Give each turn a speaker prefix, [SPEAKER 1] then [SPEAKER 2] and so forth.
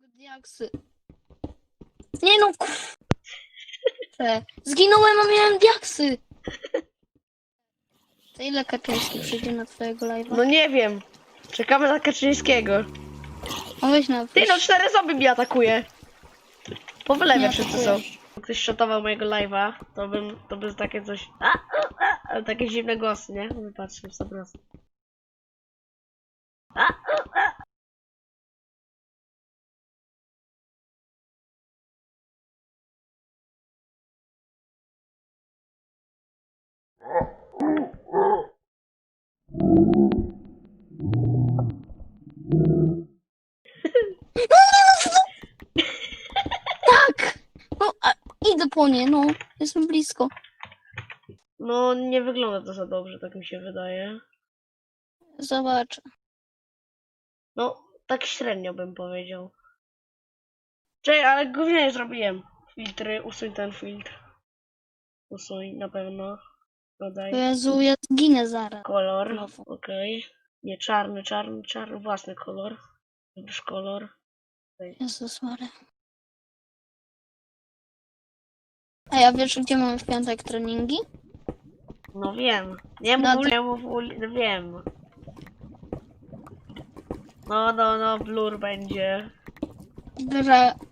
[SPEAKER 1] Diaksy. Nie no, zginąłem, a miałem diaksy. To ile Kaczyński przyjdzie na twojego live'a?
[SPEAKER 2] No nie wiem. Czekamy na Kaczyńskiego.
[SPEAKER 1] No weź na
[SPEAKER 2] Ty no, 4 zombie mnie atakuje. Po wylewie
[SPEAKER 1] Nie
[SPEAKER 2] wszyscy są.
[SPEAKER 1] atakujesz.
[SPEAKER 2] Jak ktoś shotował mojego live'a, to by takie coś... Ale takie dziwne głosy, nie? Wypatrzmy w 100%.
[SPEAKER 1] Tak! No, idę po nie, no. Jestem blisko.
[SPEAKER 2] No, nie wygląda to za dobrze, tak mi się wydaje.
[SPEAKER 1] Zobaczę.
[SPEAKER 2] No, tak średnio bym powiedział. Czekaj, ale gównie zrobiłem. Filtry, usuń ten filtr. Usuń, na pewno. Dodaj.
[SPEAKER 1] Jezu, ja zginę zaraz.
[SPEAKER 2] Kolor,
[SPEAKER 1] Znowu.
[SPEAKER 2] okej. Nie, czarny, własny kolor. Wybierz kolor.
[SPEAKER 1] Jezus Maria. A ja wiesz, gdzie mamy w piątek treningi?
[SPEAKER 2] No wiem. Nie
[SPEAKER 1] No
[SPEAKER 2] mów,
[SPEAKER 1] to-
[SPEAKER 2] nie mów, no wiem. No, blur będzie.